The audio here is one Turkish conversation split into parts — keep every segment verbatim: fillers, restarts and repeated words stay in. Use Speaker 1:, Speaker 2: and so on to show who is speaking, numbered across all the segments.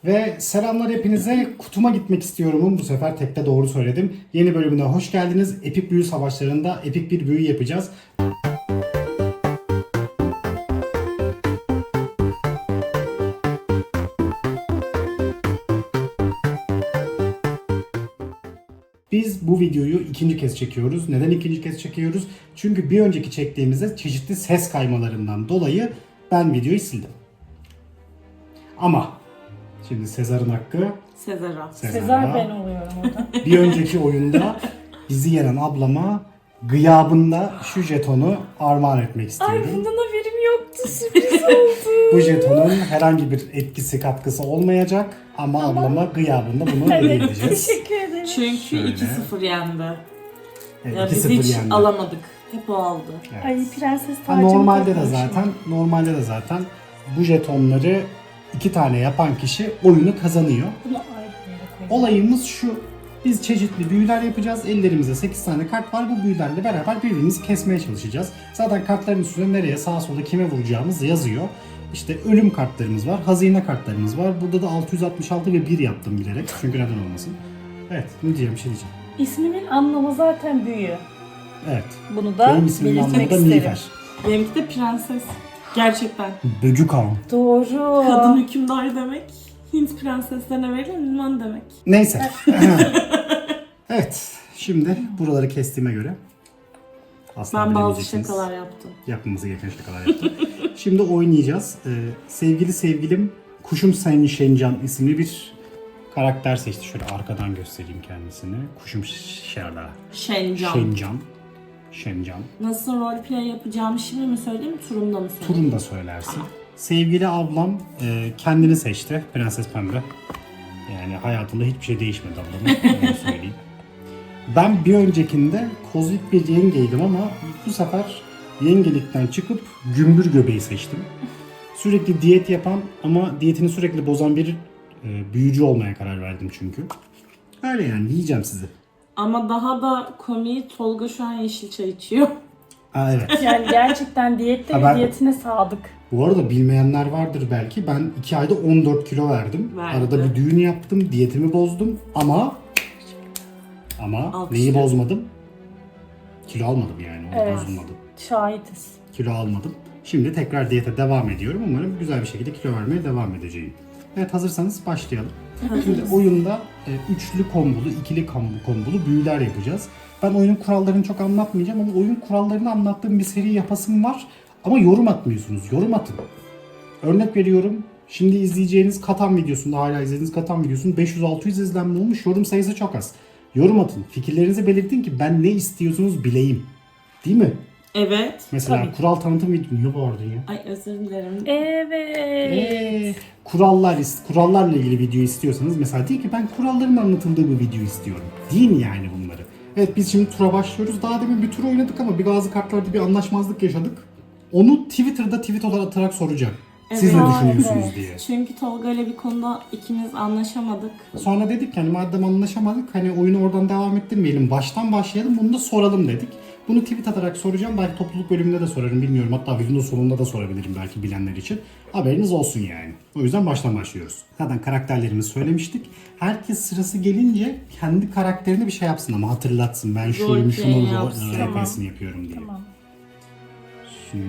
Speaker 1: Ve selamlar hepinize. Kutuma gitmek istiyorum'un bu sefer tekte doğru söyledim. Yeni bölümüne hoş geldiniz. Epik büyü savaşlarında epik bir büyü yapacağız. Biz bu videoyu ikinci kez çekiyoruz. Neden ikinci kez çekiyoruz? Çünkü bir önceki çektiğimizde çeşitli ses kaymalarından dolayı ben videoyu sildim. Ama şimdi Sezar'ın hakkı
Speaker 2: Sezar'a.
Speaker 1: Sezar'a.
Speaker 3: Sezar ben oluyorum orada.
Speaker 1: Bir önceki oyunda bizi yenen ablama gıyabında şu jetonu armağan etmek
Speaker 3: Ay
Speaker 1: istiyorum.
Speaker 3: bundan haberim yoktu, sürpriz oldu.
Speaker 1: Bu jetonun herhangi bir etkisi katkısı olmayacak ama,
Speaker 3: Ama-
Speaker 1: ablama gıyabında bunu hediye
Speaker 3: Evet,
Speaker 1: edeceğiz.
Speaker 3: teşekkür ederim.
Speaker 2: Çünkü
Speaker 1: Şöyle.
Speaker 2: iki sıfır yendi.
Speaker 1: Evet,
Speaker 2: Ya
Speaker 1: iki
Speaker 2: biz
Speaker 1: sıfır
Speaker 2: hiç
Speaker 1: yendi.
Speaker 2: alamadık. Hep o aldı.
Speaker 1: Evet.
Speaker 3: Ay prenses
Speaker 1: Ha,
Speaker 3: tacımı
Speaker 1: normalde de
Speaker 3: takmışım.
Speaker 1: zaten normalde de zaten bu jetonları iki tane yapan kişi oyunu kazanıyor.
Speaker 3: Bunu ayrı bir yere koyacağım.
Speaker 1: Olayımız şu. Biz çeşitli büyüler yapacağız. Ellerimizde sekiz tane kart var. Bu büyülerle beraber birbirimizi kesmeye çalışacağız. Zaten kartların üstünde nereye, sağa sola kime vuracağımız yazıyor. İşte ölüm kartlarımız var, hazine kartlarımız var. Burada da altı yüz altmış altı ve bir yaptım bilerek. Çünkü neden olmasın. Evet, ne diyeceğim, bir şey diyeceğim.
Speaker 3: İsmimin anlamı zaten büyü.
Speaker 1: Evet.
Speaker 3: Bunu da
Speaker 1: Benim ismimin anlamı
Speaker 3: belirtmek
Speaker 1: da
Speaker 3: isterim.
Speaker 1: Nilüfer.
Speaker 2: Benimki de prenses. Gerçekten.
Speaker 1: Böcük ağam.
Speaker 3: Doğru.
Speaker 2: Kadın hükümdar demek. Hint prenseslerine verilen ünvan demek.
Speaker 1: Neyse. Evet. Şimdi buraları kestiğime göre asla
Speaker 2: Ben bazı
Speaker 1: bilemeyeceksiniz.
Speaker 2: şakalar yaptım.
Speaker 1: Yapmamızı gereken şakalar yaptım. Şimdi oynayacağız. Ee, sevgili sevgilim Kuşum Sen Şencan isimli bir karakter seçti. Şöyle arkadan göstereyim kendisini. Kuşum Şerda.
Speaker 2: Şencan.
Speaker 1: Şencan. Şencan.
Speaker 2: Nasıl roleplay yapacağımı şimdi mi söyleyeyim, turumda mı söyleyeyim?
Speaker 1: Turun da söylersin. Sevgili ablam e, kendini seçti. Prenses Pembe. Yani hayatında hiçbir şey değişmedi ablamın. Öyle söyleyeyim. Ben bir öncekinde kozmik bir yengeydim ama bu sefer yengelikten çıkıp gümbür göbeği seçtim. Sürekli diyet yapan ama diyetini sürekli bozan bir e, büyücü olmaya karar verdim çünkü. Öyle yani, yiyeceğim sizi.
Speaker 2: Ama daha da komiği, Tolga şu an yeşil çay içiyor.
Speaker 1: Aa, evet.
Speaker 3: Yani gerçekten diyette
Speaker 1: Ha,
Speaker 3: ve
Speaker 1: ben-
Speaker 3: diyetine sadık.
Speaker 1: Bu arada bilmeyenler vardır belki. Ben iki ayda on dört kilo verdim.
Speaker 2: Verdi.
Speaker 1: Arada bir düğün yaptım, diyetimi bozdum ama ama
Speaker 2: Alkışlıyorum.
Speaker 1: neyi bozmadım? Kilo almadım yani. O
Speaker 3: Evet.
Speaker 1: bozulmadı.
Speaker 3: Şahitiz.
Speaker 1: Kilo almadım. Şimdi tekrar diyete devam ediyorum. Umarım güzel bir şekilde kilo vermeye devam edeceğim. Evet, hazırsanız başlayalım. Şimdi oyunda e, üçlü kombolu, ikili kombolu, kombolu büyüler yapacağız. Ben oyunun kurallarını çok anlatmayacağım ama oyun kurallarını anlattığım bir seri yapasım var. Ama yorum atmıyorsunuz. Yorum atın. Örnek veriyorum. Şimdi izleyeceğiniz Katan videosunda, hala izlediğiniz Katan videosunun beş yüz altı yüz izlenme olmuş. Yorum sayısı çok az. Yorum atın. Fikirlerinizi belirtin ki ben ne istiyorsunuz bileyim. Değil mi?
Speaker 2: Evet.
Speaker 1: Mesela
Speaker 3: Tabii.
Speaker 1: kural tanıtım videosu. Niye bağırdın ya?
Speaker 2: Ay özür dilerim.
Speaker 3: Evet.
Speaker 1: Ee, kurallar kurallarla ilgili video istiyorsanız mesela deyin ki ben kuralların anlatıldığı bir video istiyorum. Deyin yani bunları. Evet, biz şimdi tura başlıyoruz. Daha demin bir tur oynadık ama bir bazı kartlarda bir anlaşmazlık yaşadık. Onu Twitter'da tweet olarak atarak soracağım. Siz
Speaker 2: Evet.
Speaker 1: ne
Speaker 3: Aa,
Speaker 1: düşünüyorsunuz
Speaker 3: evet.
Speaker 1: diye.
Speaker 2: Çünkü Tolga ile bir konuda ikimiz anlaşamadık.
Speaker 1: Sonra dedik ki hani madem anlaşamadık hani oyunu oradan devam ettirmeyelim. Baştan başlayalım, bunu da soralım dedik. Bunu tweet atarak soracağım. Belki topluluk bölümünde de sorarım, bilmiyorum. Hatta videonun sonunda da sorabilirim belki bilenler için. Haberiniz olsun yani. O yüzden baştan başlıyoruz. Zaten karakterlerimizi söylemiştik. Herkes sırası gelince kendi karakterine bir şey yapsın ama hatırlatsın. Ben şuyum,
Speaker 2: Roleplay
Speaker 1: şunu
Speaker 2: yapsın.
Speaker 1: rol yapıyorum diye.
Speaker 3: Tamam.
Speaker 1: Şimdi...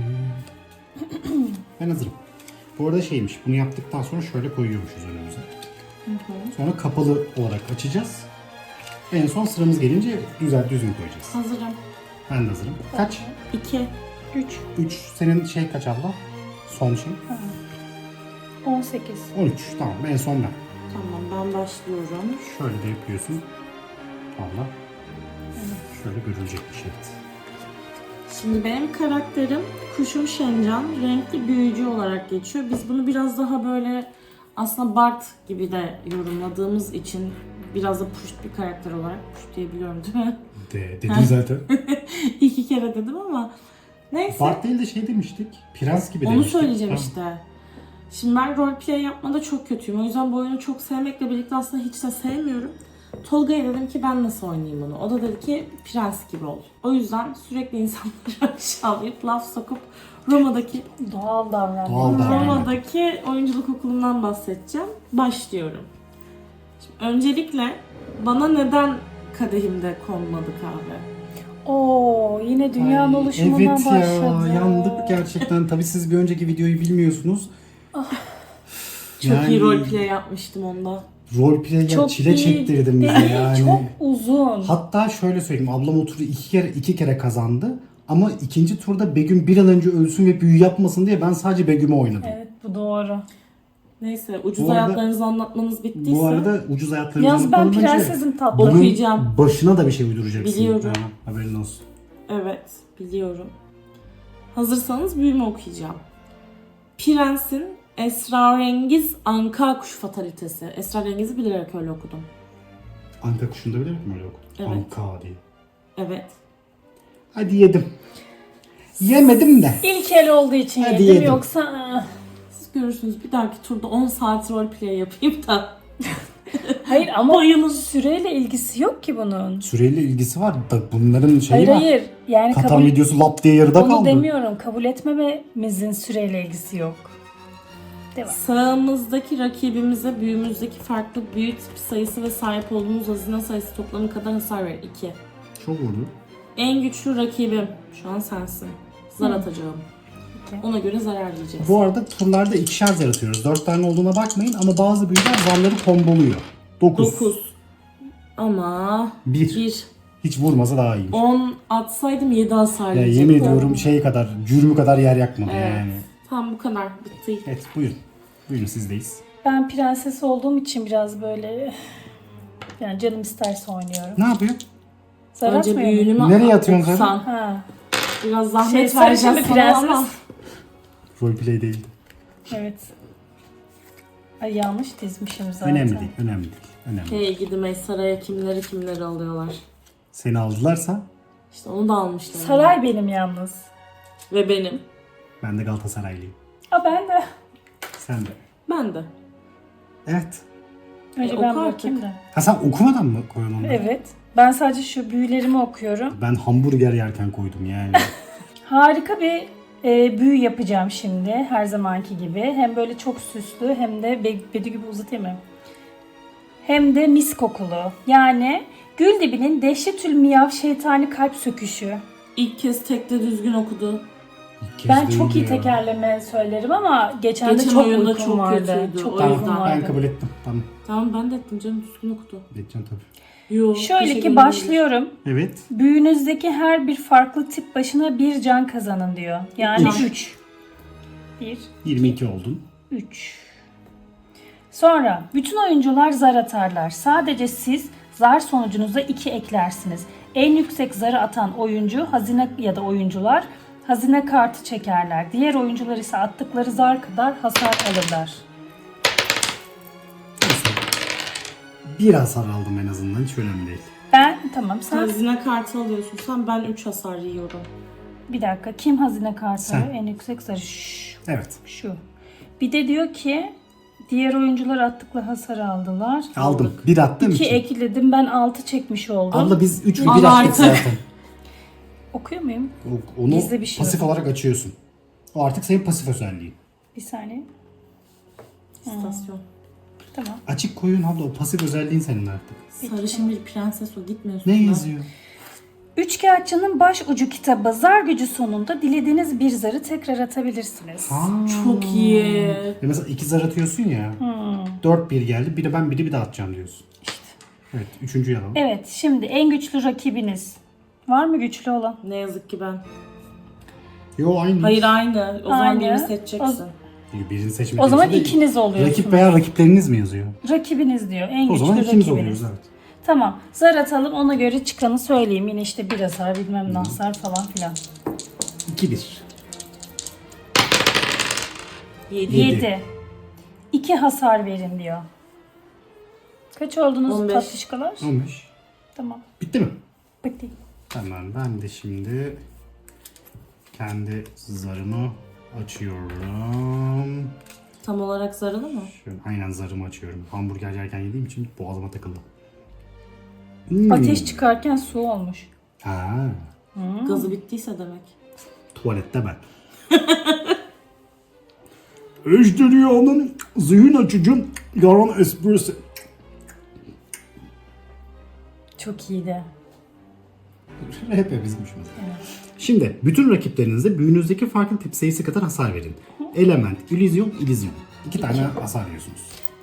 Speaker 1: Ben hazırım. Bu arada şeymiş, bunu yaptıktan sonra şöyle koyuyormuşuz önümüze. Sonra kapalı olarak açacağız. En son sıramız gelince güzel düzgün koyacağız.
Speaker 2: Hazırım.
Speaker 1: Ben de hazırım. Kaç?
Speaker 2: İki.
Speaker 3: üç.
Speaker 1: üç. Senin şey kaç abla? Son şey?
Speaker 3: on sekiz.
Speaker 1: on üç. Tamam, en son ben.
Speaker 2: Tamam, ben başlıyorum.
Speaker 1: Şöyle de yapıyorsun. Abla. Şöyle görülecek bir şey.
Speaker 2: Şimdi benim karakterim Kuşum Şencan, renkli büyücü olarak geçiyor. Biz bunu biraz daha böyle aslında Bart gibi de yorumladığımız için biraz da puşt bir karakter olarak, puşt diyebiliyorum değil mi?
Speaker 1: De, dedin zaten.
Speaker 2: İki kere dedim ama neyse.
Speaker 1: Bart değil de şey demiştik. Prens gibi
Speaker 2: Onu
Speaker 1: demiştik.
Speaker 2: söyleyeceğim
Speaker 1: Tamam.
Speaker 2: işte. Şimdi ben roleplay yapmada çok kötüyüm. O yüzden bu oyunu çok sevmekle birlikte aslında hiç de sevmiyorum. Tolga'ya dedim ki ben nasıl oynayayım bunu? O da dedi ki prens gibi ol. O yüzden sürekli insanları aşağılayıp laf sokup Roma'daki
Speaker 3: Doğal davran.
Speaker 1: Doğal davran.
Speaker 2: Roma'daki oyunculuk okulundan bahsedeceğim. Başlıyorum. Şimdi öncelikle bana neden kadehimde konmadı kahve?
Speaker 3: Oo, yine dünyanın
Speaker 1: Ay,
Speaker 3: oluşumundan
Speaker 1: evet
Speaker 3: başladı.
Speaker 1: ya, yandık gerçekten. Tabii siz bir önceki videoyu bilmiyorsunuz.
Speaker 2: Çok
Speaker 1: Yani-
Speaker 2: iyi roleplay yapmıştım onda.
Speaker 1: Roleplay'e
Speaker 3: Çok
Speaker 1: çile
Speaker 3: iyi
Speaker 1: çektirdim bize
Speaker 3: değil,
Speaker 1: yani.
Speaker 3: çok uzun.
Speaker 1: Hatta şöyle söyleyeyim, ablam oturdu iki kere iki kere kazandı. Ama ikinci turda Begüm bir an önce ölsün ve büyü yapmasın diye ben sadece Begüm'ü oynadım.
Speaker 3: Evet, bu doğru.
Speaker 2: Neyse ucuz
Speaker 1: Bu arada-
Speaker 2: hayatlarınızı anlatmanız bittiyse.
Speaker 1: Bu arada ucuz hayatlarımızı
Speaker 3: Yalnız ben
Speaker 1: anlatmadan önce
Speaker 3: prensesim tatlı.
Speaker 1: bunun
Speaker 2: Okuyacağım.
Speaker 1: başına da bir şey uyduracaksın.
Speaker 2: Biliyorum.
Speaker 1: Ha, haberin olsun.
Speaker 2: Evet, biliyorum. Hazırsanız büyümü okuyacağım. Prens'in esrarengiz anka kuş fatalitesi. Esrarengiz'i bilerek öyle okudum.
Speaker 1: Anka kuşunda bilir mi öyle okudun?
Speaker 2: Evet.
Speaker 1: Anka diye.
Speaker 2: Evet.
Speaker 1: Hadi yedim. Yemedim de.
Speaker 3: İlk el olduğu için
Speaker 1: Hadi
Speaker 3: yedim,
Speaker 1: yedim.
Speaker 3: yoksa ah.
Speaker 2: Siz görürsünüz bir dahaki turda on saat roleplay yapayım da.
Speaker 3: Hayır ama
Speaker 2: Bayılın.
Speaker 3: süreyle ilgisi yok ki bunun.
Speaker 1: Süreyle ilgisi var da bunların şeyi
Speaker 3: Hayır
Speaker 1: var.
Speaker 3: hayır. Yani
Speaker 1: Katan
Speaker 3: kabul,
Speaker 1: videosu lap diye yarıda
Speaker 3: onu
Speaker 1: kaldı.
Speaker 3: demiyorum. Kabul etmememizin süreyle ilgisi yok. Devam.
Speaker 2: Sağımızdaki rakibimize büyümüzdeki farklı büyü tipi sayısı ve sahip olduğumuz hazine sayısı toplamı kadar hasar verir. iki.
Speaker 1: Çok vurdu.
Speaker 2: En güçlü rakibim şu an sensin. Zar
Speaker 3: Hı.
Speaker 2: atacağım.
Speaker 3: Peki.
Speaker 2: Ona göre zarar yiyeceksin.
Speaker 1: Bu arada turlarda ikişer zar atıyoruz. Dört tane olduğuna bakmayın ama bazı büyüler zarları komboluyor. Dokuz.
Speaker 2: dokuz. Ama
Speaker 1: Bir.
Speaker 2: bir.
Speaker 1: Hiç vurmasa daha iyiymiş.
Speaker 2: on atsaydım yedi hasar
Speaker 1: Ya
Speaker 2: yiyecektim.
Speaker 1: yemin ediyorum şey kadar, cürmü kadar yer yakmadı
Speaker 2: Evet.
Speaker 1: yani.
Speaker 2: Tamam bu kadar. Bitti.
Speaker 1: Evet buyurun. Buyurun sizdeyiz.
Speaker 3: Ben prenses olduğum için biraz böyle yani canım isterse oynuyorum.
Speaker 1: Ne yapıyor?
Speaker 3: Zar
Speaker 2: Önce
Speaker 3: atmıyor mu?
Speaker 2: büyüğünü mü
Speaker 1: Nereye atıyorsun sen?
Speaker 2: okusan?
Speaker 3: Ha.
Speaker 2: Biraz
Speaker 3: Şey,
Speaker 2: zahmet
Speaker 3: sarışın
Speaker 2: vereceğiz
Speaker 3: bir
Speaker 2: sana
Speaker 3: prenses.
Speaker 2: ama.
Speaker 1: Roleplay değildi.
Speaker 3: Evet. Ay yanlış dizmişim zaten.
Speaker 1: Önemli değil, önemli değil. Önemli değil.
Speaker 2: Hey gidi saraya kimleri kimleri alıyorlar.
Speaker 1: Seni aldılarsa
Speaker 2: İşte onu da almışlar.
Speaker 3: Saray benim yalnız.
Speaker 2: Ve benim.
Speaker 1: ben de Galatasaraylıyım.
Speaker 3: Aa ben de.
Speaker 1: Sen de.
Speaker 2: Ben de.
Speaker 1: Evet.
Speaker 3: Önce
Speaker 2: E,
Speaker 3: ben
Speaker 2: oku
Speaker 3: bakayım
Speaker 2: artık.
Speaker 3: da.
Speaker 1: Ha sen okumadan mı koyuyorsun onları?
Speaker 3: Evet. Ben sadece şu büyülerimi okuyorum.
Speaker 1: Ben hamburger yerken koydum yani.
Speaker 3: Harika bir e, büyü yapacağım şimdi. Her zamanki gibi. Hem böyle çok süslü hem de be- bedi gibi uzatayım mı? Hem de mis kokulu. Yani gül dibinin dehşetül miyav şeytani kalp söküşü.
Speaker 2: İlk kez tekte düzgün okudu.
Speaker 1: İlk kez
Speaker 3: Ben
Speaker 1: değil
Speaker 3: çok iyi
Speaker 1: ya.
Speaker 3: tekerleme söylerim ama geçen,
Speaker 2: Geçen
Speaker 3: de çok
Speaker 2: oyunda
Speaker 3: uykum
Speaker 2: çok
Speaker 3: vardı.
Speaker 2: kötüydü,
Speaker 3: Çok
Speaker 2: o
Speaker 1: Tamam
Speaker 3: uykum
Speaker 2: yüzden.
Speaker 3: vardı.
Speaker 1: ben kabul ettim. Tamam.
Speaker 2: Tamam ben de ettim canım düzgün okudu.
Speaker 1: Edeceğim tabii.
Speaker 2: Yo,
Speaker 3: Şöyle
Speaker 2: teşekkür
Speaker 3: ki
Speaker 2: ederim.
Speaker 3: başlıyorum.
Speaker 1: Evet.
Speaker 3: Büyünüzdeki her bir farklı tip başına bir can kazanın diyor. Yani
Speaker 2: Üç.
Speaker 3: üç. bir,
Speaker 1: yirmi iki oldun.
Speaker 3: üç. Sonra bütün oyuncular zar atarlar. Sadece siz zar sonucunuza iki eklersiniz. En yüksek zarı atan oyuncu hazine ya da oyuncular hazine kartı çekerler. Diğer oyuncular ise attıkları zar kadar hasar alırlar.
Speaker 1: Neyse. Bir hasar aldım en azından. Hiç önemli değil.
Speaker 3: Ben tamam sen
Speaker 2: Hazine kartı alıyorsun sen, ben üç hasar yiyorum.
Speaker 3: bir dakika kim hazine kartı
Speaker 1: Sen.
Speaker 3: alıyor? En yüksek zarı şu.
Speaker 1: Evet.
Speaker 3: şu. Bir de diyor ki diğer oyuncular attıkları hasarı aldılar.
Speaker 1: Aldım. Bir attım
Speaker 3: İki
Speaker 1: iki.
Speaker 3: ekledim ben altı çekmiş oldum.
Speaker 1: Abla biz üç mü
Speaker 2: Al
Speaker 1: bir attık
Speaker 2: artık.
Speaker 1: zaten.
Speaker 3: Okuyor muyum?
Speaker 1: O- Onu
Speaker 3: Gizli bir şey
Speaker 1: pasif
Speaker 3: var.
Speaker 1: olarak açıyorsun. O artık senin pasif özelliğin.
Speaker 3: Bir saniye.
Speaker 2: İstasyon.
Speaker 3: Tamam.
Speaker 1: Açık koyun abla o pasif özelliğin senin artık.
Speaker 2: Sarışın bir prenses o, gitmiyorsun.
Speaker 1: Ne
Speaker 2: da.
Speaker 1: yazıyor?
Speaker 3: Üçkağıtçının baş ucu kitabı zar gücü sonunda dilediğiniz bir zarı tekrar atabilirsiniz.
Speaker 1: Ha.
Speaker 2: Çok iyi.
Speaker 1: E mesela iki zar atıyorsun ya.
Speaker 3: Hmm.
Speaker 1: Dört bir geldi. Biri ben biri bir daha atacağım diyorsun. Evet. Üçüncüyü alalım.
Speaker 3: Evet şimdi en güçlü rakibiniz. Var mı güçlü olan?
Speaker 2: Ne yazık ki ben.
Speaker 1: Yo aynı.
Speaker 2: Hayır aynı. O zaman
Speaker 3: Aynı.
Speaker 2: birini seçeceksin.
Speaker 1: Birini seçmek
Speaker 3: O zaman
Speaker 1: yoksa değil.
Speaker 3: ikiniz oluyorsunuz.
Speaker 1: Rakip veya rakipleriniz mi yazıyor?
Speaker 3: Rakibiniz diyor. En
Speaker 1: O
Speaker 3: güçlü
Speaker 1: zaman ikimiz
Speaker 3: rakibiniz.
Speaker 1: oluyoruz evet.
Speaker 3: Tamam. Zar atalım ona göre çıkanı söyleyeyim. Yine işte bir hasar bilmem ne hasar falan filan.
Speaker 1: iki bir.
Speaker 2: Yedi.
Speaker 1: Yedi.
Speaker 3: yedi. iki hasar verin diyor. Kaç oldunuz
Speaker 2: on beş.
Speaker 3: tatlışkalar?
Speaker 1: on beş.
Speaker 3: Tamam.
Speaker 1: Bitti mi?
Speaker 3: Bitti.
Speaker 1: Tamam ben de şimdi kendi zarımı açıyorum.
Speaker 2: Tam olarak zarını mı?
Speaker 1: Şöyle, aynen zarımı açıyorum. Hamburger yerken yediğim için boğazıma takıldı. Hmm.
Speaker 3: Ateş çıkarken su olmuş.
Speaker 1: Ha,
Speaker 2: Gazı bittiyse demek.
Speaker 1: tuvalette ben. Ejderhanın zihin açıcı yaran esprisi.
Speaker 3: Çok iyiydi.
Speaker 1: Hep bizmiş mesela. Şimdi bütün rakiplerinize büyünüzdeki farklı tip sayısı kadar hasar verin. Element, illüzyon, illüzyon. İki tane hasar yiyorsunuz.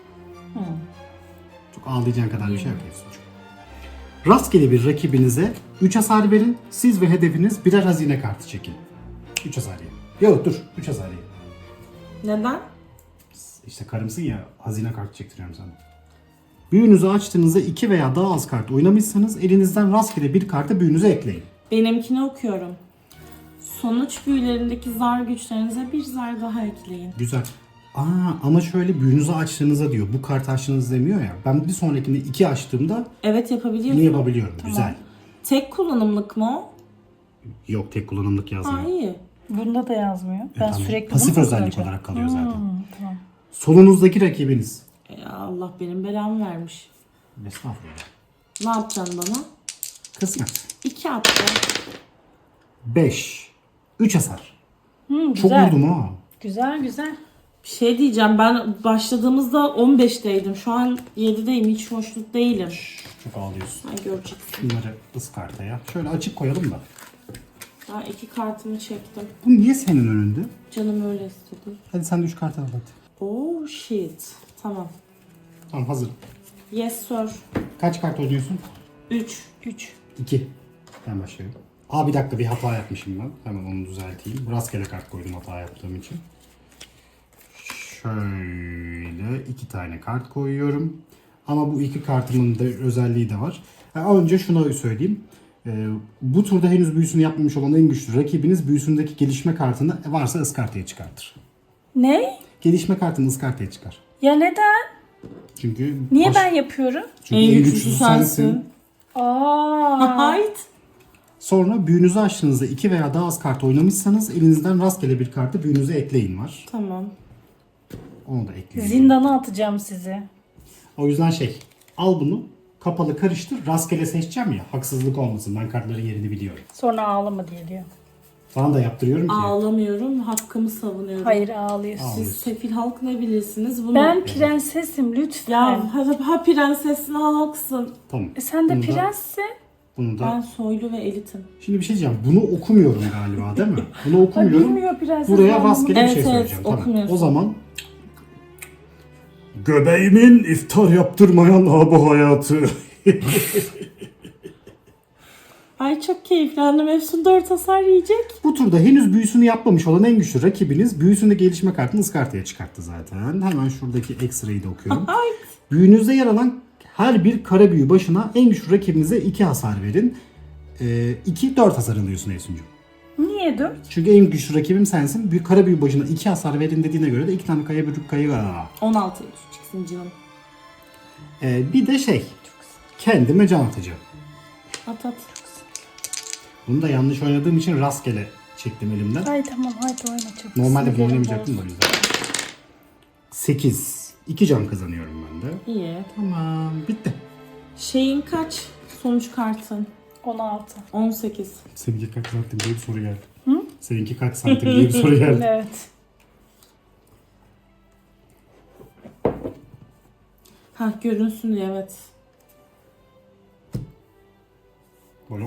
Speaker 1: Çok ağlayacağın kadar bir şey yapıyorsun. Rastgele bir rakibinize üç hasar verin. Siz ve hedefiniz birer hazine kartı çekin. üç hasar yiyin. Yok dur, üç hasar yiyin.
Speaker 2: Neden?
Speaker 1: İşte karımsın ya, hazine kartı çektiriyorum sana. Büyünüzü açtığınızda iki veya daha az kart oynamışsanız elinizden rastgele bir kartı büyünüze ekleyin.
Speaker 2: Benimkini okuyorum. Sonuç büyülerindeki zar güçlerinize bir zar daha ekleyin.
Speaker 1: Güzel. Aa, ama şöyle büyünüzü açtığınızda diyor. Bu kartı açtığınız demiyor ya. Ben bir sonrakinde iki açtığımda
Speaker 2: Evet yapabiliyorsun.
Speaker 1: bunu yapabiliyorum. Güzel.
Speaker 2: Tek kullanımlık mı o?
Speaker 1: Yok, tek kullanımlık yazmıyor.
Speaker 2: Ha iyi.
Speaker 3: Bunda da yazmıyor. Ben
Speaker 1: Tamam.
Speaker 3: sürekli
Speaker 1: Pasif
Speaker 3: bunu
Speaker 1: özellik
Speaker 3: kullanacağım.
Speaker 1: olarak kalıyor zaten.
Speaker 3: Hmm, tamam.
Speaker 1: Solunuzdaki rakibiniz.
Speaker 2: Ya Allah benim belamı vermiş.
Speaker 1: Estağfurullah.
Speaker 2: Ne yapacaksın bana?
Speaker 1: Kısmet.
Speaker 2: İki attı.
Speaker 1: beş. üç hasar.
Speaker 3: Hmm,
Speaker 1: Çok
Speaker 3: güzel.
Speaker 1: vurdum ha.
Speaker 3: Güzel güzel.
Speaker 2: Bir şey diyeceğim, ben başladığımızda on beşteydim. Şu an yedideyim. Hiç hoşnut değilim.
Speaker 1: Çok ağlıyorsun.
Speaker 2: Ay göreceksin.
Speaker 1: Bunları ıskartaya. Şöyle açık koyalım da.
Speaker 2: Ben iki kartımı çektim.
Speaker 1: Bu niye senin önünde?
Speaker 2: Canım öyle istedi.
Speaker 1: Hadi sen de üç kart al hadi.
Speaker 2: Oh shit. Tamam.
Speaker 1: Tamam, hazır.
Speaker 2: Yes sir.
Speaker 1: Kaç kart oynuyorsun?
Speaker 2: Üç.
Speaker 3: üç.
Speaker 1: iki. Ben başlıyorum. Aa, bir dakika, bir hata yapmışım ben. Hemen onu düzelteyim. Rastgele kart koydum hata yaptığım için. Şöyle iki tane kart koyuyorum. Ama bu iki kartımın da özelliği de var. Ha, önce şunu söyleyeyim. Ee, bu turda henüz büyüsünü yapmamış olan en güçlü rakibiniz büyüsündeki gelişme kartını varsa ıskartaya çıkartır.
Speaker 3: Ne?
Speaker 1: Gelişme kartını ıskartaya çıkar.
Speaker 3: Ya neden?
Speaker 1: Çünkü
Speaker 3: Niye
Speaker 1: baş-
Speaker 3: ben yapıyorum?
Speaker 1: Çünkü en, güçlüsü sensin.
Speaker 3: Aa.
Speaker 2: Hayt.
Speaker 1: Sonra büyünüzü açtığınızda iki veya daha az kart oynamışsanız elinizden rastgele bir kartı büyünüze ekleyin var.
Speaker 2: Tamam.
Speaker 1: Onu da ekleyin.
Speaker 3: Zindana atacağım sizi.
Speaker 1: O yüzden şey, al bunu kapalı karıştır, rastgele seçeceğim ya, haksızlık olmasın, ben kartların yerini biliyorum.
Speaker 3: Sonra ağlama diye diyor.
Speaker 1: Sana da yaptırıyorum ki.
Speaker 2: Ağlamıyorum. Hakkımı savunuyorum.
Speaker 3: Hayır ağlıyorsun.
Speaker 2: Siz sefil halk ne bilirsiniz bunu?
Speaker 3: Ben prensesim lütfen.
Speaker 2: Ya ha, ha prensesin halksın.
Speaker 1: Tamam.
Speaker 3: E sen de
Speaker 1: Bunu da-
Speaker 3: prenssin.
Speaker 1: Bunu da.
Speaker 2: Ben soylu ve elitim.
Speaker 1: Şimdi bir şey diyeceğim. Bunu okumuyorum galiba değil mi? Bunu
Speaker 3: Ha,
Speaker 1: okumuyorum.
Speaker 3: bilmiyor prenses.
Speaker 1: Buraya
Speaker 3: olmamı.
Speaker 1: rastgele bir
Speaker 2: Evet,
Speaker 1: şey
Speaker 2: evet,
Speaker 1: söyleyeceğim. Tamam.
Speaker 2: okumuyorsun.
Speaker 1: O zaman göbeğimin iftar yaptırmayan ha bu hayatı.
Speaker 2: Ay çok keyiflendim. Efsun dört hasar yiyecek.
Speaker 1: Bu turda henüz büyüsünü yapmamış olan en güçlü rakibiniz büyüsünde gelişme kartını ıskartaya çıkarttı zaten. Hemen şuradaki ekstrayı da okuyorum.
Speaker 2: Ay.
Speaker 1: Büyünüzde yer alan her bir kara büyü başına en güçlü rakibinize iki hasar verin. iki dört hasar alıyorsun Efsuncuğum.
Speaker 3: Niye dört?
Speaker 1: Çünkü en güçlü rakibim sensin. Bir kara büyü başına iki hasar verin dediğine göre de iki tane kaya büyük kayı var.
Speaker 2: on altıya düşeceksin canım.
Speaker 1: Ee, bir de şey, kendime can atacağım.
Speaker 2: At at.
Speaker 1: Bunu da yanlış oynadığım için rastgele çektim elimden.
Speaker 3: Ay tamam hadi oyna çok.
Speaker 1: Normalde bunu
Speaker 3: Sinirlerim
Speaker 1: oynamayacaktım da o
Speaker 3: bozuldu.
Speaker 1: yüzden. sekiz. iki can kazanıyorum ben de.
Speaker 2: İyi.
Speaker 1: Tamam, bitti.
Speaker 2: Şeyin kaç? Sonuç kartın.
Speaker 3: on altı.
Speaker 2: on sekiz.
Speaker 1: Seninki kaç santim diye bir soru geldi. Hı? Seninki kaç santim diye bir soru geldi.
Speaker 3: Evet.
Speaker 2: Ha görünsün diye evet.
Speaker 1: Bolo.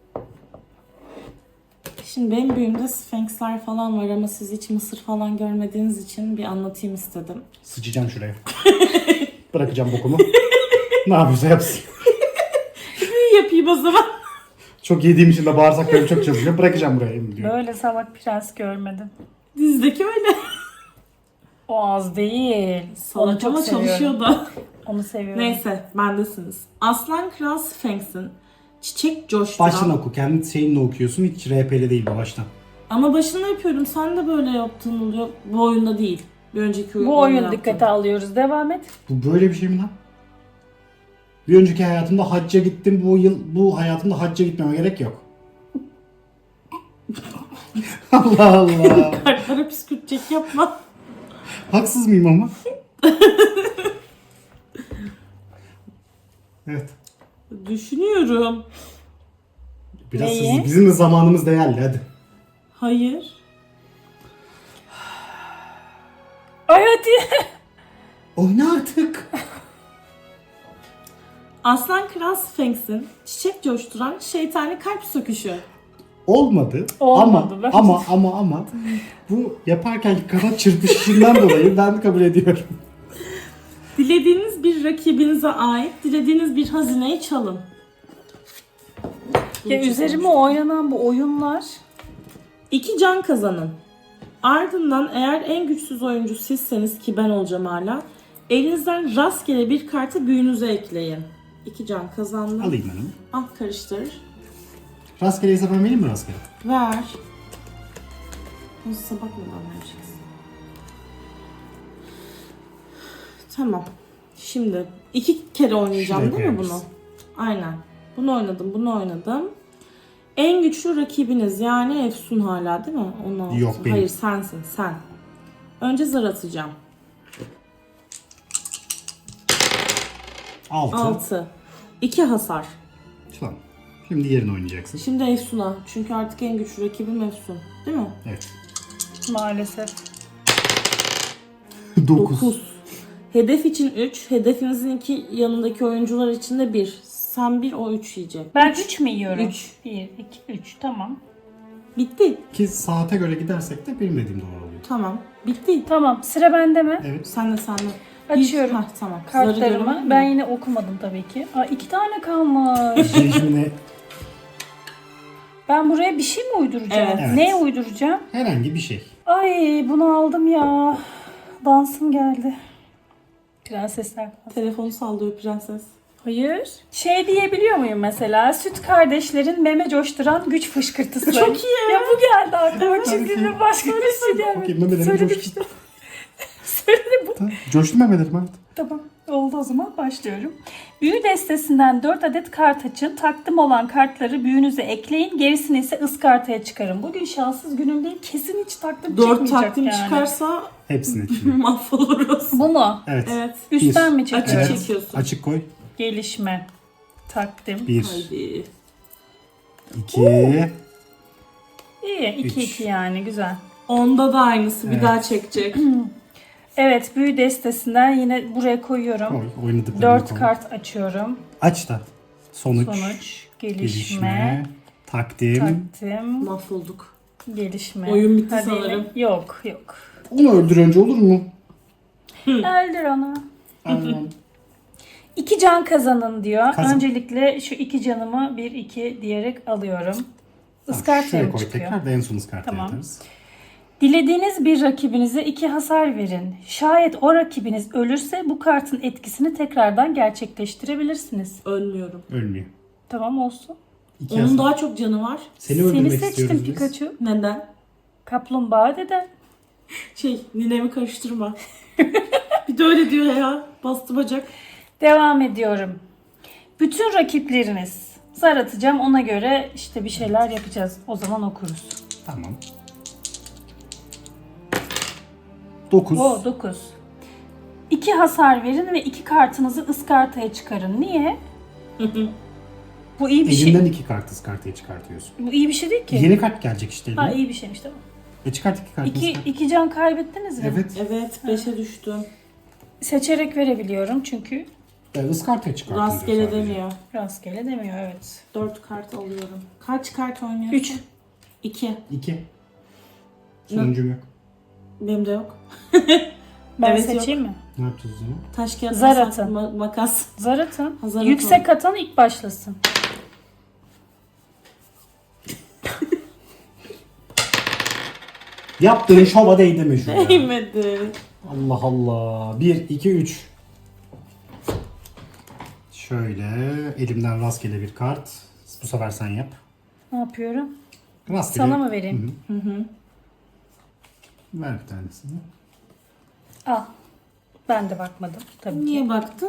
Speaker 2: Şimdi benim büyümde Sphinx'ler falan var ama siz hiç Mısır falan görmediğiniz için bir anlatayım istedim.
Speaker 1: Sıçacağım şuraya. Bırakacağım bokumu. Ne yapıyorsa yapsın.
Speaker 2: Bir yapayım o zaman.
Speaker 1: Çok yediğim için de bağırsaklarım çok çalışıyor. Bırakacağım buraya diyor.
Speaker 3: Böyle salak prens görmedim.
Speaker 2: Dizdeki öyle.
Speaker 3: O az değil. Onu
Speaker 2: Salak
Speaker 3: çok
Speaker 2: ama
Speaker 3: seviyorum.
Speaker 2: çalışıyor da.
Speaker 3: Onu seviyorum.
Speaker 2: Neyse bendesiniz. Aslan Kral Sphinx'in çiçek coşturan...
Speaker 1: Baştan oku. Kendi şeyinle okuyorsun. Hiç R P'li değil bu baştan.
Speaker 2: Ama başında yapıyorum. Sen de böyle yaptığın oluyor. Bu oyunda değil. Bir önceki oyunda
Speaker 3: Bu oyun
Speaker 2: yaptım.
Speaker 3: dikkate alıyoruz. Devam et.
Speaker 1: Bu böyle bir şey mi lan? Bir önceki hayatımda hacca gittim. Bu yıl bu hayatımda hacca gitmeme gerek yok. Allah Allah.
Speaker 2: Kartlara püskürtecek yapma.
Speaker 1: Haksız mıyım ama? Evet.
Speaker 2: Düşünüyorum.
Speaker 1: Biraz
Speaker 3: Neyi?
Speaker 1: hızlı. Bizim de zamanımız değerli hadi.
Speaker 2: Hayır.
Speaker 1: Oyna artık.
Speaker 2: Aslan Kral Sphinx'in çiçek coşturan şeytani kalp söküşü.
Speaker 1: Olmadı.
Speaker 3: Olmadı,
Speaker 1: ama
Speaker 3: bence.
Speaker 1: ama ama ama bu yaparken kanat çırpışından dolayı ben kabul ediyorum.
Speaker 2: Dilediğiniz bir rakibinize ait dilediğiniz bir hazineyi çalın.
Speaker 3: Ya üzerime oynanan bu oyunlar
Speaker 2: İki can kazanın. Ardından eğer en güçsüz oyuncu sizseniz ki ben olacağım hala, elinizden rastgele bir kartı büyünüze ekleyin. İki can kazandım.
Speaker 1: Alayım ben onu.
Speaker 2: Ah karıştır.
Speaker 1: Rastgele hesap ben vereyim mi rastgele?
Speaker 2: Ver. Nasıl sabah mı vereceksin? Tamam. Şimdi iki kere oynayacağım
Speaker 1: Şuraya
Speaker 2: değil mi bunu?
Speaker 1: koyarız.
Speaker 2: Aynen. Bunu oynadım, bunu oynadım. En güçlü rakibiniz yani Efsun hala değil mi? Onu
Speaker 1: Yok, benim.
Speaker 2: Hayır sensin sen. Önce zar atacağım.
Speaker 1: Altı.
Speaker 2: altı. iki hasar.
Speaker 1: Tamam. Şimdi yerini oynayacaksın.
Speaker 2: Şimdi Efsun'a. Çünkü artık en güçlü rakibim Efsun. Değil mi?
Speaker 1: Evet.
Speaker 3: maalesef.
Speaker 1: Dokuz.
Speaker 2: dokuz. Hedef için üç. Hedefinizin iki yanındaki oyuncular için de bir. Sen bir, o üç yiyecek.
Speaker 3: Ben üç mü yiyorum?
Speaker 2: Üç.
Speaker 3: bir, iki, üç tamam.
Speaker 2: Bitti.
Speaker 1: Ki saate göre gidersek de benim dediğim doğru oluyor.
Speaker 2: Tamam. Bitti.
Speaker 3: Tamam sıra bende mi?
Speaker 1: Evet.
Speaker 2: Sen de sen de.
Speaker 3: Açıyorum.
Speaker 2: Heh, tamam. Zarı görebilir
Speaker 3: Kartlarımı.
Speaker 2: miyim?
Speaker 3: Ben yine okumadım tabii ki. Aa, iki tane kalmış.
Speaker 1: Şimdi
Speaker 3: Ben buraya bir şey mi uyduracağım?
Speaker 2: Evet.
Speaker 1: Evet.
Speaker 3: Neye uyduracağım?
Speaker 1: herhangi bir şey.
Speaker 3: Ay bunu aldım ya. Dansım geldi. Prensesler dansı.
Speaker 2: Telefonu sallıyor prenses.
Speaker 3: Hayır. Şey diyebiliyor muyum mesela? Süt kardeşlerin meme coşturan güç fışkırtısı.
Speaker 2: Çok iyi.
Speaker 3: Ya bu geldi aklıma çünkü başka bir şey gelmedi.
Speaker 1: Okey, memelerim
Speaker 3: Söyledim
Speaker 1: coştu.
Speaker 3: işte. Söyledim bu.
Speaker 1: Tamam. Coştu memelerim artık.
Speaker 3: Tamam. Oldu o zaman başlıyorum. Büyü destesinden dört adet kart açın. Takdim olan kartları büyünüze ekleyin. Gerisini ise ıskartaya çıkarın. Bugün şanssız günüm değil. Kesin hiç takdim
Speaker 2: Dört
Speaker 3: çıkmayacak
Speaker 2: takdim
Speaker 3: yani.
Speaker 2: çıkarsa
Speaker 1: Hepsini ekliyorum.
Speaker 2: mahvoluruz.
Speaker 3: Bu mu?
Speaker 1: Evet.
Speaker 2: Evet.
Speaker 3: Üstten
Speaker 1: Bir.
Speaker 3: mi
Speaker 2: Açık
Speaker 3: çekiyorum?
Speaker 1: Evet.
Speaker 2: çekiyorsun.
Speaker 1: Açık koy.
Speaker 3: Gelişme. Takdim.
Speaker 1: Bir.
Speaker 2: Haydi.
Speaker 1: iki.
Speaker 3: İyi. iki
Speaker 1: Üç.
Speaker 3: iki yani. Güzel.
Speaker 2: Onda da aynısı. Bir
Speaker 1: Evet.
Speaker 2: daha çekecek.
Speaker 3: Evet. Büyü destesinden yine buraya koyuyorum.
Speaker 1: Koy. Oynadıklarını
Speaker 3: Dört
Speaker 1: koy.
Speaker 3: kart açıyorum.
Speaker 1: Aç da. Sonuç.
Speaker 3: Sonuç. Gelişme.
Speaker 1: Gelişme. Takdim.
Speaker 3: Takdim.
Speaker 2: Mahvolduk.
Speaker 3: Gelişme.
Speaker 2: Oyun bitti
Speaker 3: Hadi
Speaker 2: sanırım.
Speaker 3: yine- Yok yok.
Speaker 1: Onu öldür önce olur mu?
Speaker 3: Öldür onu.
Speaker 1: Aynen.
Speaker 3: İki can kazanın diyor.
Speaker 1: Kazan.
Speaker 3: Öncelikle şu iki canımı bir iki diyerek alıyorum.
Speaker 1: Tamam,
Speaker 3: Iskartaya
Speaker 1: şuraya
Speaker 3: mı
Speaker 1: koy
Speaker 3: çıkıyor?
Speaker 1: tekrar da en son ıskartaya
Speaker 3: Tamam.
Speaker 1: atarız.
Speaker 3: Dilediğiniz bir rakibinize iki hasar verin. Şayet o rakibiniz ölürse bu kartın etkisini tekrardan gerçekleştirebilirsiniz.
Speaker 2: Ölmüyorum.
Speaker 1: Ölmüyor.
Speaker 3: Tamam olsun.
Speaker 1: İki
Speaker 2: Onun
Speaker 1: hasar.
Speaker 2: daha çok canı var.
Speaker 1: Seni öldürmek
Speaker 3: Seni seçtim
Speaker 1: istiyoruz biz.
Speaker 3: Pikachu.
Speaker 2: Neden?
Speaker 3: Kaplumbağa deden.
Speaker 2: Şey, ninemi karıştırma. Bir de öyle diyor ya. Bastı bacak.
Speaker 3: Devam ediyorum. Bütün rakipleriniz. Zar atacağım ona göre işte bir şeyler yapacağız. O zaman okuruz.
Speaker 1: Tamam. Dokuz.
Speaker 3: O dokuz. İki hasar verin ve iki kartınızı ıskartaya çıkarın. Niye? Bu iyi bir şey.
Speaker 1: Elinden iki kart ıskartaya çıkartıyorsun.
Speaker 3: Bu iyi bir şey değil ki.
Speaker 1: Yeni kart gelecek işte eline.
Speaker 3: Ha iyi bir şeymiş tamam.
Speaker 1: E çıkart iki kartını.
Speaker 3: İki,
Speaker 1: ıskart.
Speaker 3: iki can kaybettiniz mi?
Speaker 1: Evet.
Speaker 2: Evet, beşe düştüm.
Speaker 3: Seçerek verebiliyorum çünkü
Speaker 1: E, ıskartaya çıkartın diyor
Speaker 2: Rastgele
Speaker 1: sadece.
Speaker 2: demiyor.
Speaker 3: rastgele demiyor evet.
Speaker 2: Dört kart alıyorum. Kaç kart oynuyorsun?
Speaker 3: Üç.
Speaker 2: İki.
Speaker 1: İki. Sonuncum yok.
Speaker 2: Benim de yok.
Speaker 3: Ben
Speaker 2: Evet,
Speaker 3: seçeyim mi?
Speaker 1: Ne yapacağız o zaman?
Speaker 2: Taş kağıt
Speaker 3: Zar
Speaker 2: makas-
Speaker 3: atın.
Speaker 2: ma- makas.
Speaker 3: Zar atın.
Speaker 2: Zar
Speaker 3: Yüksek atan ilk başlasın.
Speaker 1: Yaptığın şova değdi mi şu ya?
Speaker 2: Değmedi.
Speaker 1: Allah Allah. Bir, iki, üç. Şöyle elimden rastgele bir kart. Bu sefer sen yap.
Speaker 3: Ne yapıyorum?
Speaker 1: Rastgele.
Speaker 3: Sana mı vereyim?
Speaker 1: Hı hı. Ver bir tanesini.
Speaker 3: Al. Ben de bakmadım tabii ki.
Speaker 2: Niye baktın?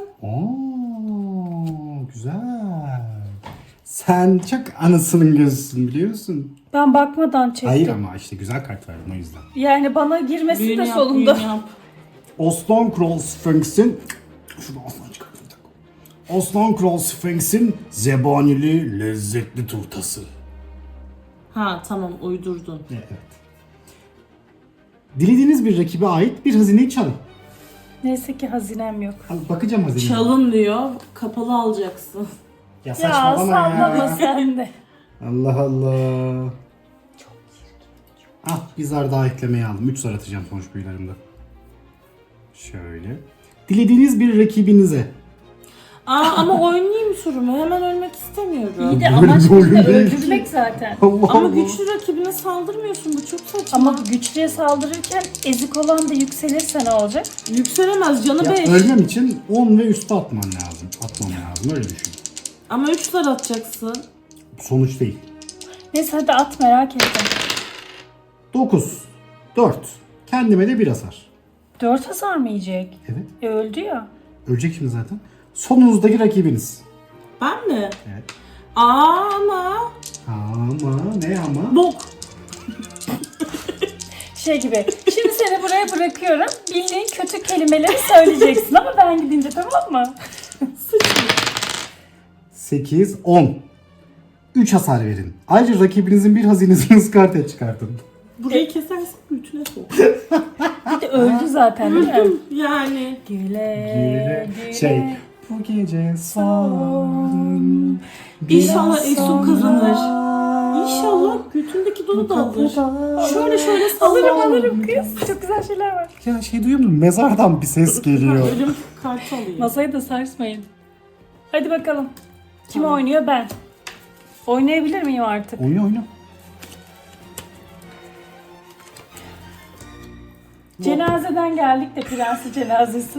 Speaker 1: Oo, güzel. Sen çok anasının gözüsün biliyorsun.
Speaker 3: Ben bakmadan çektim.
Speaker 1: Hayır ama işte güzel kart verdin o yüzden.
Speaker 3: Yani bana girmesi
Speaker 2: Büyünü
Speaker 3: de
Speaker 2: yap,
Speaker 3: solunda.
Speaker 2: büyünü yap.
Speaker 1: Oslan Kral Sphinx'in şunu aslan çıkartın bir dakika. Oslan Kral Sphinx'in zebanili lezzetli turtası.
Speaker 2: Ha tamam uydurdun.
Speaker 1: Evet. Dilediğiniz bir rakibe ait bir hazineyi çalın.
Speaker 3: Neyse ki hazinem yok.
Speaker 1: Al, bakacağım hazine.
Speaker 2: Çalın diyor. Kapalı alacaksın.
Speaker 1: Ya
Speaker 3: Ya
Speaker 1: saçmalama
Speaker 3: sallama
Speaker 1: ya.
Speaker 3: sen de.
Speaker 1: Allah Allah. Ah bir zar daha eklemeye aldım. üç zar atacağım sonuç büyülerimde. Şöyle. Dilediğiniz bir rakibinize.
Speaker 2: Aa ama oynayayım sorumu. Hemen ölmek istemiyorum.
Speaker 3: İyi de
Speaker 1: Böyle
Speaker 3: amaç
Speaker 1: bir oyun
Speaker 3: bizde
Speaker 1: değil ki.
Speaker 3: öldürmek zaten.
Speaker 1: Allah
Speaker 2: Ama
Speaker 1: Allah.
Speaker 2: güçlü rakibine saldırmıyorsun. Bu çok saçma.
Speaker 3: Ama güçlüye saldırırken ezik olan da yükselirse ne olacak?
Speaker 2: Yükselemez. Canı
Speaker 1: Ya,
Speaker 2: beş.
Speaker 1: ölmem için on ve üstü atman lazım. Atmam lazım öyle düşün.
Speaker 2: Ama üç zar atacaksın.
Speaker 1: Sonuç değil.
Speaker 3: Neyse hadi at, merak ettim.
Speaker 1: dokuz. dört. Kendime de bir hasar.
Speaker 3: Dört hasar mı yiyecek?
Speaker 1: Evet.
Speaker 3: E öldü ya.
Speaker 1: Ölecek şimdi zaten. Sonunuzdaki rakibiniz.
Speaker 2: Ben mi?
Speaker 1: Evet.
Speaker 2: Aa ama.
Speaker 1: Ama ne ama?
Speaker 2: Bok.
Speaker 3: Şey gibi. Şimdi seni buraya bırakıyorum. Bildiğin kötü kelimeleri söyleyeceksin ama ben gidince, tamam mı?
Speaker 1: sekiz, on. üç hasar verin. Ayrıca rakibinizin bir hazinesini ıskarte çıkartın.
Speaker 2: Burayı kesersin götüne sok.
Speaker 3: Bir de öldü zaten değil mi?
Speaker 2: Yani.
Speaker 3: Güle
Speaker 1: Güle.
Speaker 3: güle.
Speaker 1: Şey. Bu gece son.
Speaker 2: İnşallah
Speaker 1: biraz
Speaker 2: Efsun
Speaker 1: sonra
Speaker 2: kazanır. İnşallah götündeki dolu da alır. Şöyle şöyle sallarım
Speaker 3: Alırım
Speaker 2: alırım.
Speaker 3: alırım kız. Çok güzel şeyler var.
Speaker 1: Ya şey duyuyor musun? Mezardan bir ses geliyor.
Speaker 2: Ölüm kartı alayım.
Speaker 3: Masayı da sarsmayın. Hadi bakalım. Kim
Speaker 2: Tamam.
Speaker 3: oynuyor? Ben. Oynayabilir miyim artık?
Speaker 1: Oyna oyna.
Speaker 3: Cenazeden geldik de, prensi cenazesi.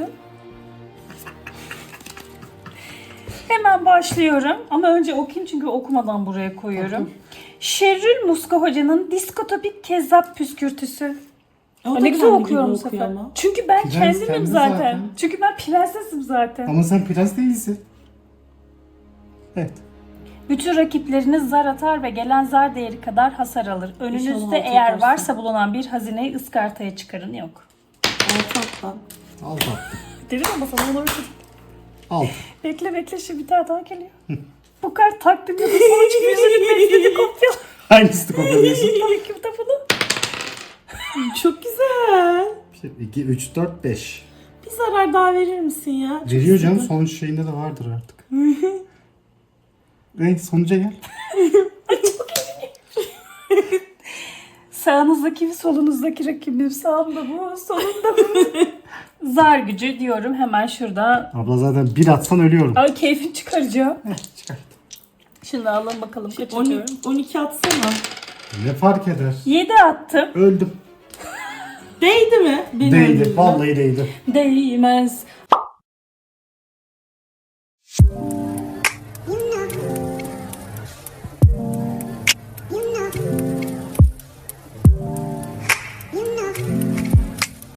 Speaker 3: Hemen başlıyorum ama önce okuyayım çünkü okumadan buraya koyuyorum. Şerrül Muska Hoca'nın diskotopik kezzap püskürtüsü.
Speaker 2: O da
Speaker 3: Ne güzel
Speaker 2: kendi
Speaker 3: okuyorum bu
Speaker 2: gibi
Speaker 3: sefer.
Speaker 2: okuyor ama.
Speaker 3: Çünkü ben
Speaker 1: Prens
Speaker 3: kendimim
Speaker 1: kendi
Speaker 3: zaten.
Speaker 1: zaten.
Speaker 3: Çünkü ben prensesim zaten.
Speaker 1: Ama sen prens değilsin. Evet.
Speaker 3: Bütün rakipleriniz zar atar ve gelen zar değeri kadar hasar alır.
Speaker 2: İnşallah
Speaker 3: Önünüzde
Speaker 2: altı
Speaker 3: eğer
Speaker 2: atarsın.
Speaker 3: varsa bulunan bir hazineyi ıskartaya çıkarın. Yok.
Speaker 2: Altı alttan.
Speaker 1: Alt attım.
Speaker 3: Dedim ama sana onu öğrettim.
Speaker 1: Alt.
Speaker 3: Bekle bekle, şimdi bir tane daha geliyor. Bu kart takdim ya da sonuç yüzünü bekledi kopya.
Speaker 1: Hangisini kopyalıyorsun?
Speaker 3: Kitabını.
Speaker 2: Çok güzel.
Speaker 1: iki, üç, dört, beş.
Speaker 2: Bir zarar daha verir misin ya? Çok
Speaker 1: Veriyor canım,
Speaker 2: istedim.
Speaker 1: sonuç şeyinde de vardır artık. Evet, sonuca gel.
Speaker 3: Sağınızdaki ve solunuzdaki rakibim, sağımda bu, solumda bu. Zar gücü diyorum hemen şurada.
Speaker 1: Abla zaten bir atsan ölüyorum.
Speaker 3: Ay keyfini çıkaracağım.
Speaker 1: Heh, çıkart.
Speaker 3: Şimdi alalım bakalım kaç
Speaker 2: on-
Speaker 3: atıyorum.
Speaker 2: on iki atsana.
Speaker 1: Ne fark eder?
Speaker 3: yedi attım.
Speaker 1: Öldüm.
Speaker 2: Değdi mi? Beni
Speaker 1: Değdi.
Speaker 2: öldürdü.
Speaker 1: Vallahi değdi.
Speaker 3: Değmez.